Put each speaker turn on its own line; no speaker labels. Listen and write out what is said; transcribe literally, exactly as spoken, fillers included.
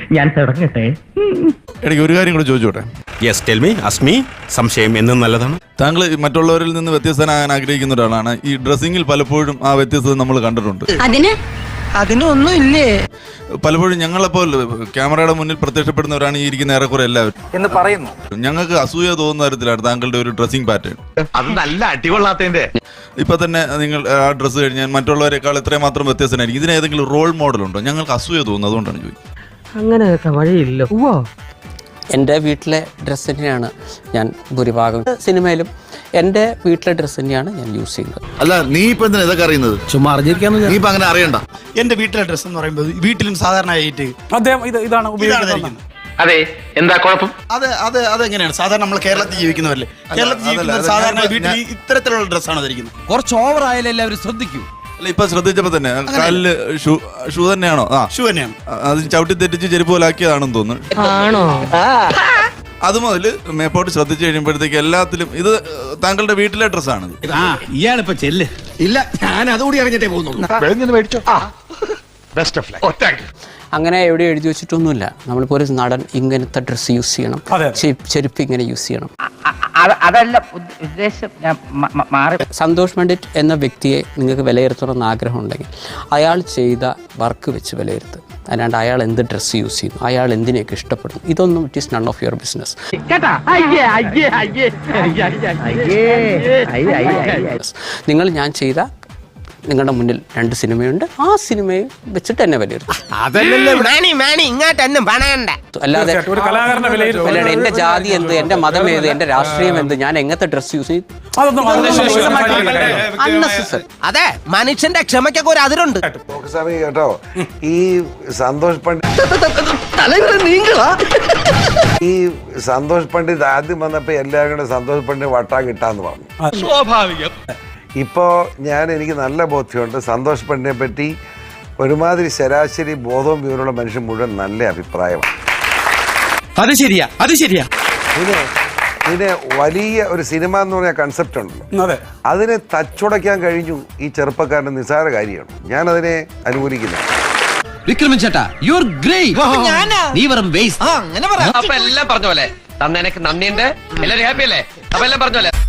ഞാൻ തുടങ്ങട്ടെ.
എനിക്ക് ഒരു കാര്യം കൂടെ ചോദിച്ചോട്ടെ.
Yes tell me Asmi. സംശയം എന്നും നല്ലതാണ്.
താങ്കൾ മറ്റുള്ളവരിൽ നിന്ന് വ്യത്യസ്തനാകാൻ ആഗ്രഹിക്കുന്ന ഒരാളാണ്. ഈ ഡ്രസ്സിങ്ങിൽ പലപ്പോഴും ആ വ്യത്യസ്തത നമ്മൾ കണ്ടിട്ടുണ്ട്.
അതിന്
അതിനൊന്നും ഇല്ലേ?
പലപ്പോഴും ഞങ്ങളെപ്പോൾ ക്യാമറയുടെ മുന്നിൽ പ്രത്യക്ഷപ്പെടുന്നവരാണ് ഈ ഇരിക്കുന്ന ഏറെക്കുറെ എല്ലാവരും
എന്ന് പറയുന്നു.
ഞങ്ങൾക്ക് അസൂയ തോന്നുന്ന തരത്തിലാണ് താങ്കളുടെ ഒരു ഡ്രസ്സിംഗ് പാറ്റേൺ.
അത് നല്ല അടികൊള്ളാത്തതിന്റെ.
ഇപ്പൊ തന്നെ നിങ്ങൾ ആ ഡ്രസ്സ് കഴിഞ്ഞാൽ മറ്റുള്ളവരെക്കാൾ എത്രയും മാത്രം വ്യത്യസ്തനായിരിക്കും. ഇതിന് ഏതെങ്കിലും റോൾ മോഡൽ ഉണ്ടോ? ഞങ്ങൾക്ക് അസൂയ തോന്നുന്നു, അതുകൊണ്ടാണ് ചോദിക്കുന്നത്.
അങ്ങനെ വഴിയില്ല.
എൻ്റെ വീട്ടിലെ ഡ്രസ്സ് തന്നെയാണ് ഞാൻ ഭൂരിഭാഗം സിനിമയിലും എൻ്റെ വീട്ടിലെ ഡ്രസ്സ് തന്നെയാണ് ഞാൻ യൂസ് ചെയ്യുന്നത്.
അല്ല, നീ ഇപ്പൊ എന്തിനാ ഇതൊക്കെ അറിയുന്നത്?
ചുമ്മാ അറിഞ്ഞിരിക്കാന്ന്.
നീ ഇപ്പൊ അങ്ങനെ അറിയണ്ട.
എന്റെ വീട്ടിലെ ഡ്രസ്സ് എന്ന് പറയുമ്പോൾ വീട്ടിലും സാധാരണയായിട്ട് അദ്ദേഹം ഇത് ഇതാണ് ഉപയോഗിക്കുന്നത്.
അതെ, എന്താ കുഴപ്പം?
അത് അത് അതെങ്ങനെയാണ് സാധാരണ നമ്മൾ കേരളത്തിൽ ജീവിക്കുന്നവരല്ലേ? കേരളത്തിൽ ജീവിക്കുന്നവർ സാധാരണ വീട്ടിൽ ഇത്തരത്തിലുള്ള ഡ്രസ്സാണ് ധരിക്കുന്നത്.
കുറച്ച് ഓവർ ആയാലും എല്ലാവരും ശ്രദ്ധിക്കൂ.
അല്ല, ഇപ്പൊ ശ്രദ്ധിച്ചപ്പോ തന്നെ കാലില് ഷൂ ഷൂ തന്നെയാണോ? ആ,
ഷൂ തന്നെയാണ്.
അത് ചവിട്ടി തെറ്റിച്ച് ചെരുപ്പ് പോലാക്കിയതാണെന്ന് തോന്നുന്നു.
ആണോ?
അത് മുതൽ മേപ്പോട്ട് ശ്രദ്ധിച്ചു കഴിയുമ്പോഴത്തേക്ക് എല്ലാത്തിലും ഇത് താങ്കളുടെ വീട്ടിലെ ഡ്രസ്സാണ്.
ഇയാളിപ്പോ ചെല്ല്.
ഇല്ല, ഞാൻ അതുകൂടി അറിഞ്ഞിട്ടേ പോകുന്നുള്ളൂ.
മേടിച്ചോ. Best of luck.
അങ്ങനെ എവിടെ എഴുതി വെച്ചിട്ടൊന്നുമില്ല. നമ്മളിപ്പോൾ ഒരു നടൻ ഇങ്ങനത്തെ ഡ്രസ്സ് യൂസ് ചെയ്യണം, ചെരുപ്പ് ഇങ്ങനെ യൂസ് ചെയ്യണം.
അതല്ല ഉദ്ദേശം. ഞാൻ മാറി.
സന്തോഷ് പണ്ഡിറ്റ് എന്ന വ്യക്തിയെ നിങ്ങൾക്ക് വിലയിരുത്തണമെന്ന് ആഗ്രഹമുണ്ടെങ്കിൽ അയാൾ ചെയ്ത വർക്ക് വെച്ച് വിലയിരുത്തുക. അല്ലാണ്ട് അയാൾ എന്ത് ഡ്രസ്സ് യൂസ് ചെയ്യുന്നു, അയാൾ എന്തിനെയൊക്കെ ഇഷ്ടപ്പെടുന്നു, ഇതൊന്നും it is none of your business. നിങ്ങൾ ഞാൻ ചെയ്ത നിങ്ങളുടെ മുന്നിൽ രണ്ട് സിനിമയുണ്ട്, ആ സിനിമയെ വെച്ചിട്ട് എന്നെ വിലയിരുത്തും. അല്ലാതെ അല്ലാണ്ട് എന്റെ ജാതി എന്ത്, എന്റെ മതം ഏത്, എന്റെ രാഷ്ട്രീയം എന്ത്, ഞാൻ എങ്ങനത്തെ ഡ്രസ് യൂസ് ചെയ്യും,
അതെ, മനുഷ്യന്റെ ക്ഷമയ്ക്കൊക്കെ ഒരു അതിരുണ്ട്
കേട്ടോ. ഈ സന്തോഷ് പണ്ഡിറ്റ് ഈ സന്തോഷ് പണ്ഡിറ്റ് ആദ്യം വന്നപ്പോ എല്ലാവരും കൂടെ സന്തോഷ് പണ്ഡിറ്റ് വട്ടാ കിട്ടാന്ന് പറഞ്ഞു.
സ്വാഭാവികം.
ഇപ്പോൾ ഞാൻ എനിക്ക് നല്ല ബോധ്യമുണ്ട്. സന്തോഷ് പണ്ഡിറ്റിനെ പറ്റി ഒരുമാതിരി ശരാശരി ബോധവും വിവരമുള്ള മനുഷ്യൻ മുഴുവൻ നല്ല അഭിപ്രായമാണ്.
അത് ശരിയാ, അത് ശരിയാ.
ഇതിന് ഇതിന് വലിയ ഒരു സിനിമ എന്ന് പറഞ്ഞ കൺസെപ്റ്റ് ഉണ്ടല്ലോ, അതിനെ തച്ചുടയ്ക്കാൻ കഴിഞ്ഞു ഈ ചെറുപ്പക്കാരൻ്റെ നിസ്സാര കാര്യമാണ്. ഞാൻ അതിനെ അനുകൂലിക്കുന്നു.
വിക്രമൻ ചേട്ടാ, യു ആർ ഗ്രേറ്റ്. നീ വെറും വേസ്റ്റ്.
അപ്പൊ എല്ലാം പറഞ്ഞ പോലെ തന്നെ എനിക്ക് നന്ദിയുണ്ട്. എല്ലാവരും ഹാപ്പി അല്ലേ? അപ്പൊ എല്ലാം പറഞ്ഞ പോലെ